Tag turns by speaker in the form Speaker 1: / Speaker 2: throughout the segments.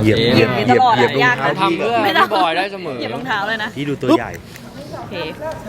Speaker 1: ตลอด
Speaker 2: เหยียบ
Speaker 1: ยาก
Speaker 2: เขาทำเพื่อพี่บอยได้เสมอ
Speaker 1: เหยียบรองเท้าเลยนะ
Speaker 3: พี่ดูตัวใหญ่
Speaker 1: โอเค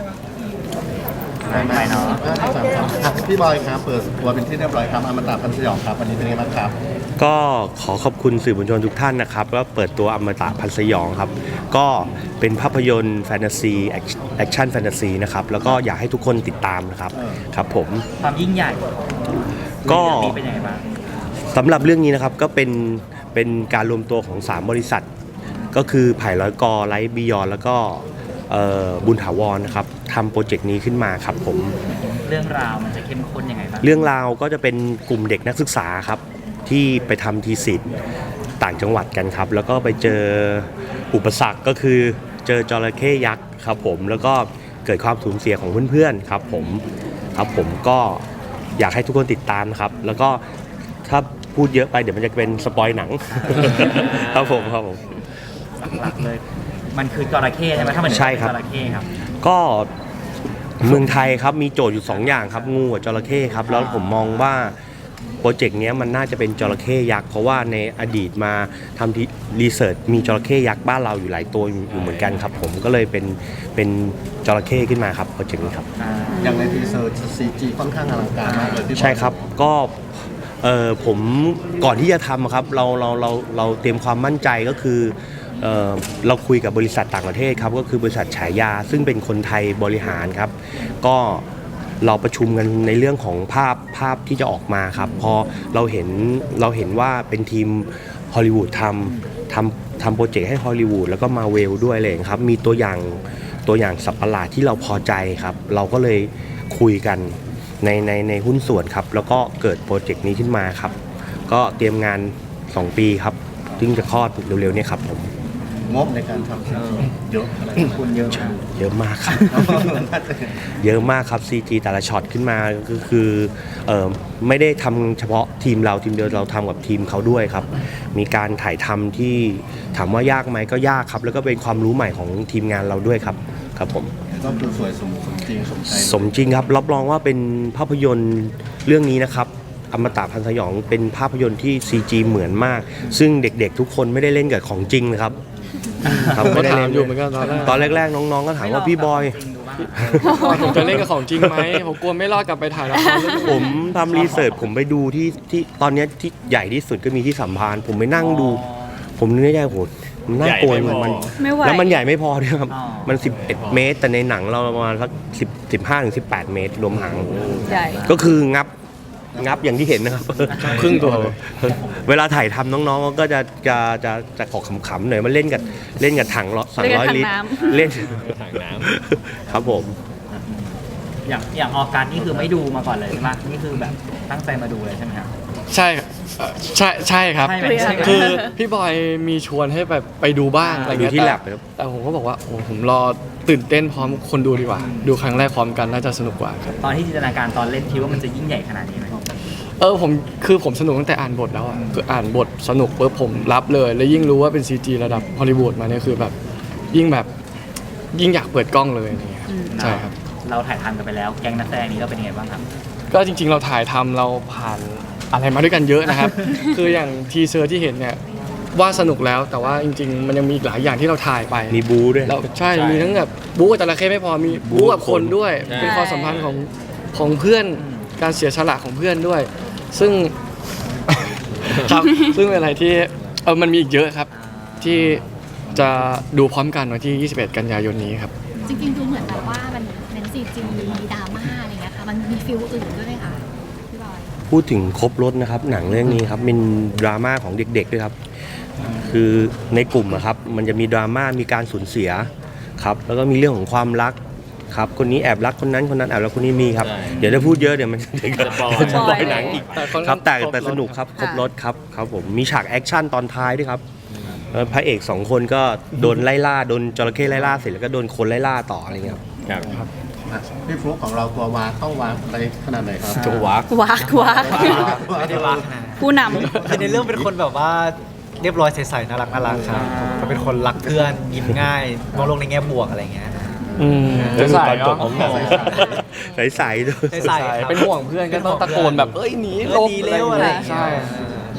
Speaker 4: ไปเนาะพี่บอยครับเปิดตัวเป็นที่เรียบร้อยครับอมตะพันธ์สยองครับวันนี้เป็นยังไงบ้างครับ
Speaker 3: ก็ขอขอบคุณสื่อมวลชนทุกท่านนะครับก็เปิดตัวอมตะพันธ์สยองครับก็เป็นภาพยนตร์แฟนตาซีแอคชั่นแฟนตาซีนะครับแล้วก็อยากให้ทุกคนติดตามนะครับครับผม
Speaker 5: ความยิ่งใหญ่
Speaker 3: ก็
Speaker 5: เรื่องนี้เป็นยังไงบ้าง
Speaker 3: สำหรับเรื่องนี้นะครับก็เป็นการรวมตัวของ3บริษัทก็คือไผ่ร้อยกอไลท์บิยอนแล้วก็บุญถาวรนะครับทำโปรเจกต์นี้ขึ้นมาครับผม
Speaker 5: เรื่องราวมันจะเข้มข้นยังไงบ้าง
Speaker 3: เรื่องราวก็จะเป็นกลุ่มเด็กนักศึกษาครับที่ไปทำทีสิทธิ์ต่างจังหวัดกันครับแล้วก็ไปเจออุปสรรคก็คือเจอจระเข้ยักษ์ครับผมแล้วก็เกิดความสูญเสียของเพื่อนๆครับผมก็อยากให้ทุกคนติดตามนะครับแล้วก็ถ้าพูดเยอะไปเดี๋ยวมันจะเป็นสปอยหนัง ครับผม
Speaker 5: หลักๆเลย มันคือจระเข้ใช่ไหมถ้ามัน
Speaker 3: ใช่ครับ
Speaker 5: จระเข้ครับ
Speaker 3: ก็เมืองไทยครับมีโจทย์อยู่2อย่างครับงูกับจระเข้ครับแล้วผมมองว่าโปรเจกต์นี้มันน่าจะเป็นจระเข้ยักษ์เพราะว่าในอดีตมาทำที่รีเสิร์ชมีจระเข้ยักษ์บ้านเราอยู่หลายตัวอยู่เหมือนกันครับผมก็เลยเป็นจระเข้ขึ้นมาครับโปรเจกต์นี้ครับ
Speaker 4: อย่างในทีเซอร์ CG ค่อนข้างอลังการมากเลยพี่บอย
Speaker 3: ใช่ครับก็ผมก่อนที่จะทำครับเราเตรียมความมั่นใจก็คือเราคุยกับบริษัทต่างประเทศครับก็คือบริษัทฉายาซึ่งเป็นคนไทยบริหารครับก็เราประชุมกันในเรื่องของภาพที่จะออกมาครับพอเราเห็นว่าเป็นทีมฮอลลีวูดทำโปรเจกต์ให้ฮอลลีวูดแล้วก็มาเวลด้วยเลยครับมีตัวอย่างสัตว์ประหลาดที่เราพอใจครับเราก็เลยคุยกันในหุ้นส่วนครับแล้วก็เกิดโปรเจกต์นี้ขึ้นมาครับก็เตรียมงาน2 ปีครับซึ่งจะคลอดเร็วๆเนี่ยครับผม
Speaker 4: งบในการทำ CG เยอะอะไร
Speaker 5: คุณเยอะมาก
Speaker 3: เยอะมากครับ เยอะมากครับ CG แต่ละช็อตขึ้นมาก็คือไม่ได้ทำเฉพาะทีมเราทีมเดียวเราทำกับทีมเขาด้วยครับมีการถ่ายทำที่ถามว่ายากไหมก็ยากครับแล้วก็เป็นความรู้ใหม่ของทีมงานเราด้วยครับครับผม
Speaker 4: ก็คือสวยสมจริงสมใจ
Speaker 3: สมจริงครับรับรองว่าเป็นภาพยนตร์เรื่องนี้นะครับอมตะพันธ์สยองเป็นภาพยนตร์ที่ CG เหมือนมาก ซึ่งเด็กๆทุกคนไม่ได้เล่นกับของจริงนะครับ
Speaker 2: ก็
Speaker 3: ไม่ได้
Speaker 2: ถาม
Speaker 3: เล่น
Speaker 2: อยู่เหมือนกันตอนแรก
Speaker 3: แรกๆน้องๆก็ถามว่าพี่บอย
Speaker 2: ผมจะเล่นกับของจริงไหมผมกลัวไม่รอดกลับไปถ่ายละครเรื่องอื่น
Speaker 3: ผมทำรีเสิร์ชผมไปดูที่ตอนนี้ที่ใหญ่ที่สุดก็มีที่สัมพันธ์ผมไปนั่งดู ผมนึกในใจโหมันน่ากลัวมัน
Speaker 1: ไม่ไหว
Speaker 3: แล้วมันใหญ่ไม่พอด้วยครับ
Speaker 5: อ๋อ
Speaker 3: มัน11 เมตร แต่ในหนังเราประมาณสัก15-18 เมตรรวมหาง
Speaker 1: ใหญ่
Speaker 3: ก็คืองับอย่างที่เห็นนะครับ
Speaker 2: ครึ่งตัวเลย
Speaker 3: เวลาถ่ายทำน้องๆก็จะขอขำๆหน่อยมาเล่นกับถัง200 ลิตรเล่นถังน้ำครับผม
Speaker 5: อย่างออการนี่คือไม่ดูมาก่อนเลยใช่ไหมนี่คือแบบตั้งใจมาดูเลยใช่ไหมครับ
Speaker 2: ใช่ใช่ครับ
Speaker 5: ใช่ไหมใช่ไหม
Speaker 2: คือพี่บอยมีชวนให้แบบไปดูบ้างอะไร
Speaker 3: ดู
Speaker 2: เงี้ย
Speaker 3: ที่
Speaker 2: แต่
Speaker 3: แลบครับ
Speaker 2: แต่ผมก็บอกว่าโอ้ผมรอตื่นเต้นพร้อมคนดูดีกว่า ดูครั้งแรกพร้อมกันน่าจะสนุกกว่าครับ
Speaker 5: ตอนที่จินตนาการตอนเล่นคิดว่ามันจะยิ่งใหญ่ขนาดนี้ไหม
Speaker 2: ผมสนุกตั้งแต่อ่านบทแล้วอ่ะคืออ่านบทสนุกปุ๊บผมรับเลย แล้วยิ่งรู้ว่าเป็น CG ระดับฮอลลีวูดมาเนี่ยคือแบบยิ่งอยากเปิดกล้องเลยอะไรเงี้ยครับใช่ครับ
Speaker 5: เราถ่ายทำกันไปแล้วแก๊งนักแสดงนี้เราเป็นยังไงบ้างครับ
Speaker 2: ก็จริงๆเราถ่ายทำเราผ่านอะไรมาด้วยกันเยอะนะครับ คืออย่างทีเซอร์ที่เห็นเนี่ยว่าสนุกแล้วแต่ว่าจริงๆ มันยังมีอีกหลายอย่างที่เราถ่ายไป
Speaker 3: มีบูด้วย
Speaker 2: เราใช่มีทั้งแบบบู๊กับจระเข้ไม่พอมีบู๊กับคนด้วย เป็นความสัมพันธ์ของเพื่อนการเสียสละของเพื่อนด้วย ซึ่ง ครับซึ่งเป็นอะไรที่มันมีอีกเยอะครับ ที่จะดูพร้อมกันวันที่ 21 กันยายนนี้ครับ
Speaker 6: จริงๆดูเหมือนแบบว่ามันเน้นซีจีมีดราม่าอะไรเงี้ยค่ะมันมีฟิลอื่นด้วยไหมคะพี่บอย
Speaker 3: พูดถึงครบรถนะครับหนังเรื่องนี้ครับเป็นดราม่าของเด็กๆด้วยครับคือในกลุ่มอะครับมันจะมีดราม่ามีการสูญเสียครับแล้วก็มีเรื่องของความรักครับคนนี้แอบรักคนนั้นแอบรักคนนี้มีครับเดี๋ยวถ้าพูดเยอะเดี๋ยวมันจะสปอยหนังอีกครับแต่สนุกครับครบรถครับผมมีฉากแอคชั่นตอนท้ายด้วยครับพระเอก2 คนก็โดนไล่ล่าโดนจระเข้ไล่ล่าเสร็จแล้วก็โดนคนไล่ล่าต่ออะไรเงี้ยครับ
Speaker 4: พี่ฟลุ๊กของเราตัววากต้องวากอะไรขนาดไหนครับ
Speaker 3: ตัววัก
Speaker 1: วัก
Speaker 5: ไม่ได้ว่าขนาดนั้น
Speaker 1: ผู้น
Speaker 7: คือในเรื่องเป็นคนแบบว่าเรียบร้อยใสๆน่ารักครับก็เป็นคนรักเพื่อนยิ้มง่ายมองโลกในแง่บวกอะไรเงี้ย
Speaker 3: จะสายจบของหนังใสๆด้วย
Speaker 7: ใสๆครับ
Speaker 2: เป็นห่วงเพื่อนก็ต้องตะโกนแบบเอ้ยหนีหลบ
Speaker 7: หนีเร็วอะไรอย่างเงี้ย
Speaker 2: ใช่
Speaker 6: แล้วต้องแบบ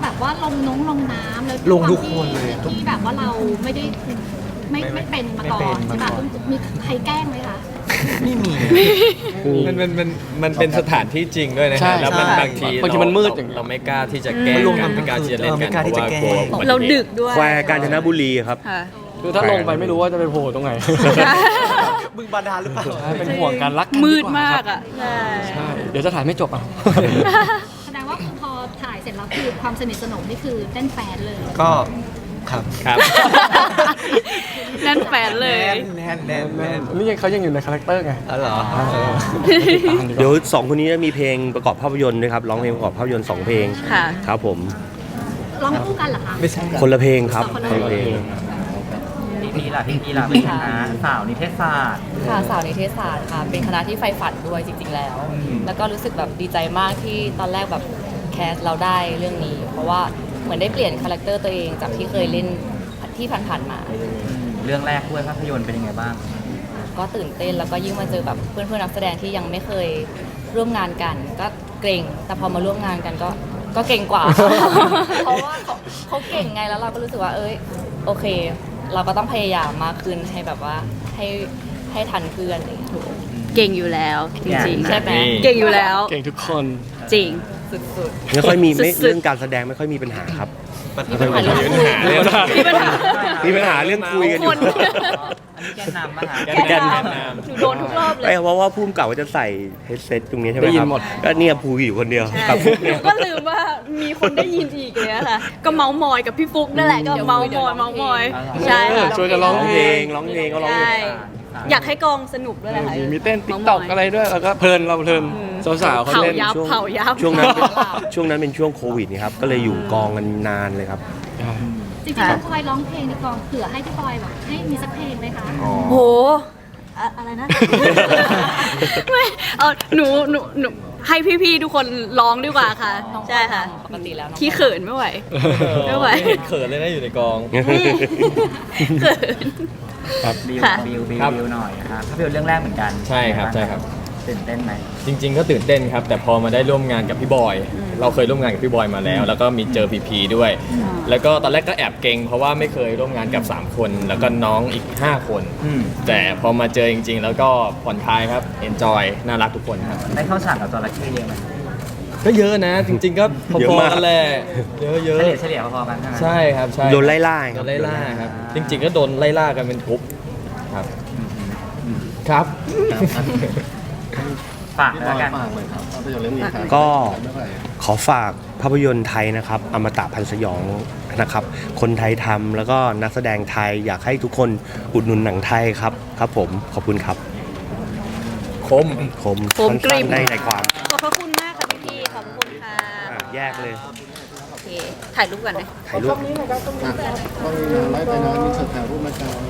Speaker 6: แบบว่าลงน้ำแล้ว
Speaker 7: ลงทุกคนเลย
Speaker 6: ที่แบบว่าเราไม่ได้ไม่เป็นมาก่อนใช่ป่ะมีใครแกล้งไหมคะ
Speaker 7: ไม่มี
Speaker 1: มันเป็นสถานที่จริงด้วยนะ
Speaker 2: ใช่
Speaker 1: ฮะแล้วมัน
Speaker 2: ใช่
Speaker 1: บางที
Speaker 2: บางทีมันมืดอย่างเงี้ย
Speaker 1: เราไม่กล้าที่จะแกล้ง
Speaker 7: มันลง
Speaker 1: กัน
Speaker 7: ทำ
Speaker 1: ไม่กล้าที่จะเล่นกัน
Speaker 7: ไม่กล้าที่จะ
Speaker 1: เพราะว่ากลัว
Speaker 7: แกล้ง
Speaker 1: อุบัติหตุ
Speaker 8: เราดึกด้วย
Speaker 3: แควกาญจนบุรีครับ
Speaker 8: ค่ะ
Speaker 2: คือถ้าลงไปไม่รู้ว่าจะไปโผล่ตรงไหน
Speaker 7: บึงบาดาลหรือเปล่า
Speaker 2: ใช่เป็นห่วงกันรักกัน
Speaker 8: มืด
Speaker 2: ว่
Speaker 8: มาก
Speaker 2: ครับ
Speaker 8: อ่ะ ใช่
Speaker 2: ใช่เดี๋ยวจะถ่ายไม่จบอ่ะ
Speaker 6: แสดงว่าพอถ่ายเสร็จแล้วคือความสนิทสนมนี่คือเต้นแฟนเลย
Speaker 7: ก็ครับ
Speaker 1: ครับ
Speaker 8: นั่นแฟนเลย
Speaker 7: แน่น
Speaker 2: นี่เขายังอยู่ในคาแรคเตอร์ไง
Speaker 7: อ๋อเหรอ
Speaker 3: เดี๋ยว2คนนี้จะมีเพลงประกอบภาพยนตร์ด้วยครับร้องเพลงประกอบภาพยนตร์2เพลง
Speaker 8: ค่ะ
Speaker 3: ครับผม
Speaker 6: ร้องคู่กันเหรอคะ
Speaker 7: ไม่ใช่
Speaker 3: คนละเพลงครับ
Speaker 6: คนละเพลง
Speaker 3: คนละเพลง
Speaker 5: พี่ล่ะเป็นคณะสาวนิเทศศาสตร์
Speaker 9: ค่ะสาวนิเทศศาสตร์ค่ะเป็นคณะที่ใฝ่ฝันด้วยจริง ๆ แล้ว แล้วก็รู้สึกแบบดีใจมากที่ตอนแรกแบบแคสเราได้เรื่องนี้ เพราะว่าเหมือนได้เปลี่ยนคาแรคเตอร์ตัวเองจากที่เคยเล่นที่ผ่านๆมา
Speaker 5: เรื่องแรกด้วยภาพยนตร์เป็นยังไงบ้าง
Speaker 9: ก็ตื่นเต้นแล้วก็ยิ่งมาเจอแบบเพื่อนๆนักแสดงที่ยังไม่เคยร่วมงานกัน ก็เกรงแต่พอมาร่วมงานกันก็เก่งกว่า เพราะว่าเขาเก่งไงแล้วเราก็รู้สึกว่าโอเค เราก็ต้องพยายามมากขึ้นให้แบบว่าให้ทันเพื่อนอะไรอย่างเงี้ย
Speaker 8: เก่งอยู่แล้ว จริงๆ
Speaker 9: ใช่ไหม
Speaker 8: เก่งอยู่แล้ว
Speaker 2: เก่งทุกคน
Speaker 8: จริง
Speaker 9: สุด
Speaker 3: ไม่ค่อยมีไม่
Speaker 8: สุดๆ
Speaker 3: เรื่องการแสดงไม่ค่อยมีปัญหาครับ
Speaker 9: ๆมีปัญหาเรื่องคุย
Speaker 8: มีปัญหา
Speaker 3: มีปัญหาเรื่องคุยกันอยู่
Speaker 8: คน
Speaker 5: อันนี้แกนนำมาหา
Speaker 1: แกนนำ
Speaker 8: หนูโดนทุกรอบเลย
Speaker 3: เพราะว่าภูมิกับว่าจะใส่เฮดเซตตรงนี้ใช่ไหม
Speaker 2: ได้ยิ
Speaker 3: คน รับ
Speaker 2: หมด
Speaker 3: ก็เนี่ยภูอยู่คนเดียว
Speaker 8: ใช่
Speaker 3: กับฟุกเนี่ย
Speaker 8: ก็ลืมว่ามีคนได้ยินอีกเลยอะค่ะ ก็เมาส์มอยกับพี่ฟุกนั่นแหละก็เมาส์มอยใช่
Speaker 2: เออ
Speaker 8: ค่ะ
Speaker 2: ช่วยกันร้องเพลง
Speaker 3: ร้องเพลงก็ร้อง
Speaker 8: ใช่
Speaker 3: เพลง
Speaker 8: อยากให้กองสนุกด้วยแหละค่ะ
Speaker 2: มีเต้นติ๊กต็อกอะไรด้วยแล้วก็เพลินเราเพลินสาวๆเขา
Speaker 8: เผา
Speaker 2: เล่น
Speaker 8: ยับ
Speaker 3: ช่วง
Speaker 8: เผายับ
Speaker 3: ช่วงนั้นเป็นช่วงนั้นเป็นช่วงโควิดนี่ครับก็เลยอยู่กองกันนานเลยครับ
Speaker 6: จริงๆพี่บอยร้องเพลงในกองเผื่อให้พี่บอยแบบให้มีสักเพลงไหมคะ
Speaker 8: โหอะไรนะ ไม่เอาหนูให้พี่ๆทุกคนร้องดีกว่าค่ะ
Speaker 9: น้อง
Speaker 8: ใช่ค่ะ
Speaker 9: ปกติแล้วน้อง
Speaker 8: ที่เขินไม่ไหว ไม่ไหว
Speaker 1: เห็นเขินเลยนะอยู่ในกอง
Speaker 8: เขิน
Speaker 5: บิว
Speaker 8: ค่ะ
Speaker 5: บิว
Speaker 1: ครับ
Speaker 5: หน่อยครับภาพยนตร์เรื่องแรกเหมือนกัน
Speaker 1: ใช่ครับใช่ครับ
Speaker 5: ตื่นเต้นไหม
Speaker 1: จริง ๆ ก็ตื่นเต้นครับ แต่พอมาได้ร่วมงานกับพี่บอย เราเคยร่วมงานกับพี่บอยมาแล้ว แล้วก็มีเจอพีพีด้วย แล้วก็ตอนแรกก็แอบเกรงเพราะว่าไม่เคยร่วมงานกับ 3 คน แล้วก็น้องอีก 5 คน แต่พอมาเจอจริง ๆ แล้วก็ผ่อนคลายครับเอนจอยน่ารักทุกคนครับ
Speaker 5: ได้เข้าฉากกับจระเข้เยอะไหม
Speaker 1: ก็เยอะนะ จริง ๆ ก็พ
Speaker 3: เยอะ
Speaker 1: อ
Speaker 3: มาก
Speaker 1: ๆกันแหละเยอะ
Speaker 5: เฉลี่ยพอๆกันใช่ไหม
Speaker 1: ๆใช่ครับใช่
Speaker 3: โดนไล่ล่า
Speaker 1: โดนไล่ล่าครับ จริง ๆ ก็โดนไล่ล่ากันเป็นกรุ๊ปครับครับ
Speaker 5: ฝากแล้วกัน
Speaker 4: ฝากเลยครับภาพยนตร์เรื่องนี้ครับ
Speaker 3: ก็
Speaker 4: เมื่อไหร่
Speaker 3: ขอฝากภาพยนตร์ไทยนะครับอมตะพันธ์สยองนะครับ คนไทยทำแล้วก็นักแสดงไทยอยากให้ทุกคนอุดหนุนหนังไทยครับครับผมขอบคุณครับ
Speaker 1: คม
Speaker 3: คม
Speaker 8: คมกริบ
Speaker 3: สั้นๆได้ในความ
Speaker 8: ขอบพระคุณมากค่ะพี่ๆขอบพระคุณค่ะ
Speaker 3: แยกเลย
Speaker 8: โอเค ถ่ายรูปก่อนเลย
Speaker 3: ถ่ายรูป
Speaker 4: ต้องไล่ไปนะมีเสิร์ฟถ่ายรูปมาครับ